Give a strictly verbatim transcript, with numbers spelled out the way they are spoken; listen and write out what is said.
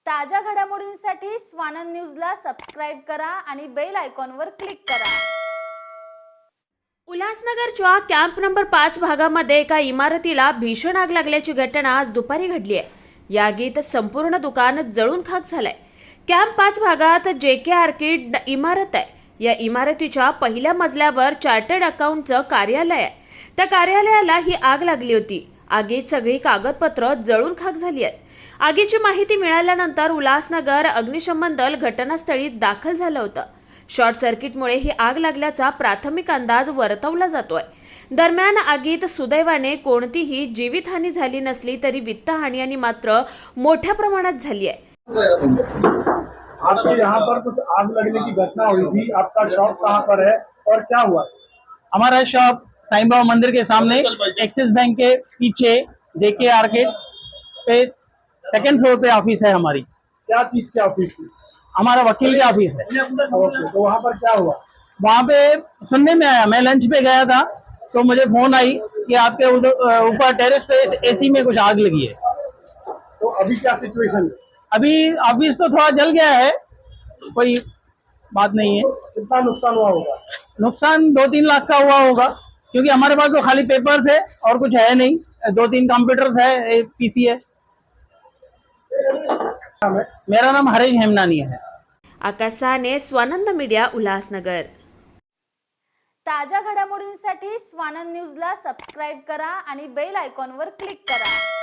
ताज्या घडामोडींसाठी स्वानंद न्यूजला सबस्क्राइब करा आणि बेल आयकॉनवर क्लिक करा। उल्हासनगरच्या कॅम्प नंबर पाच भागामध्ये एका इमारतीला भीषण आग लागल्याची घटना आज दुपारी घडली आहे। या आगीत संपूर्ण दुकान जळून खाक झालंय। कॅम्प पाच भागात जे के आर्किड इमारत आहे। या इमारतीच्या पहिल्या मजल्यावर चार्टर्ड अकाउंटचं कार्यालय आहे। त्या कार्यालयाला ही आग लागली होती। आगीत सगळी कागदपत्र जळून खाक झाली आहेत। आगीची माहिती मिळाल्यानंतर उल्हासनगर अग्निशमन दल घटनास्थळी दाखल झालं होतं। शॉर्ट सर्किटमुळे ही आग लागल्याचा प्राथमिक अंदाज वर्तवला जातोय। दरम्यान आगीत सुदैवाने कोणतीही जीवितहानी झाली नसली तरी वित्तहानी आणि मात्र मोठ्या प्रमाणात झाली आहे। आपके यहाँ पर कुछ आग लगने की घटना हुई थी, आपका शॉप कहाँ पर है और क्या हुआ? हमारा शॉप साईं बाबा मंदिर के सामने एक्सिस बैंक के पीछे जेके आर्केड पे सेकंड फ्लोर पे ऑफिस है हमारी। क्या चीज के ऑफिस की? हमारा वकील का ऑफिस है। ओके, तो वहाँ पर क्या हुआ? वहाँ पे सुनने में आया, मैं लंच पे गया था तो मुझे फोन आई कि आपके उधर ऊपर टेरेस पे एसी में कुछ आग लगी है। तो अभी क्या सिचुएशन है? अभी ऑफिस तो थोड़ा जल गया है, कोई बात नहीं है। कितना नुकसान हुआ होगा? नुकसान दो तीन लाख का हुआ होगा, क्योंकि हमारे पास तो खाली पेपर्स है और कुछ है नहीं। दो तीन कंप्यूटर्स है, एक पीसी है। मेरा नाम हरीश हेमनानी है। आकाश साने, स्वानंद मीडिया, उल्हासनगर। ताज्या घडामोडींसाठी स्वानंद न्यूजला सबस्क्राइब करा आणि बेल आयकॉनवर क्लिक करा।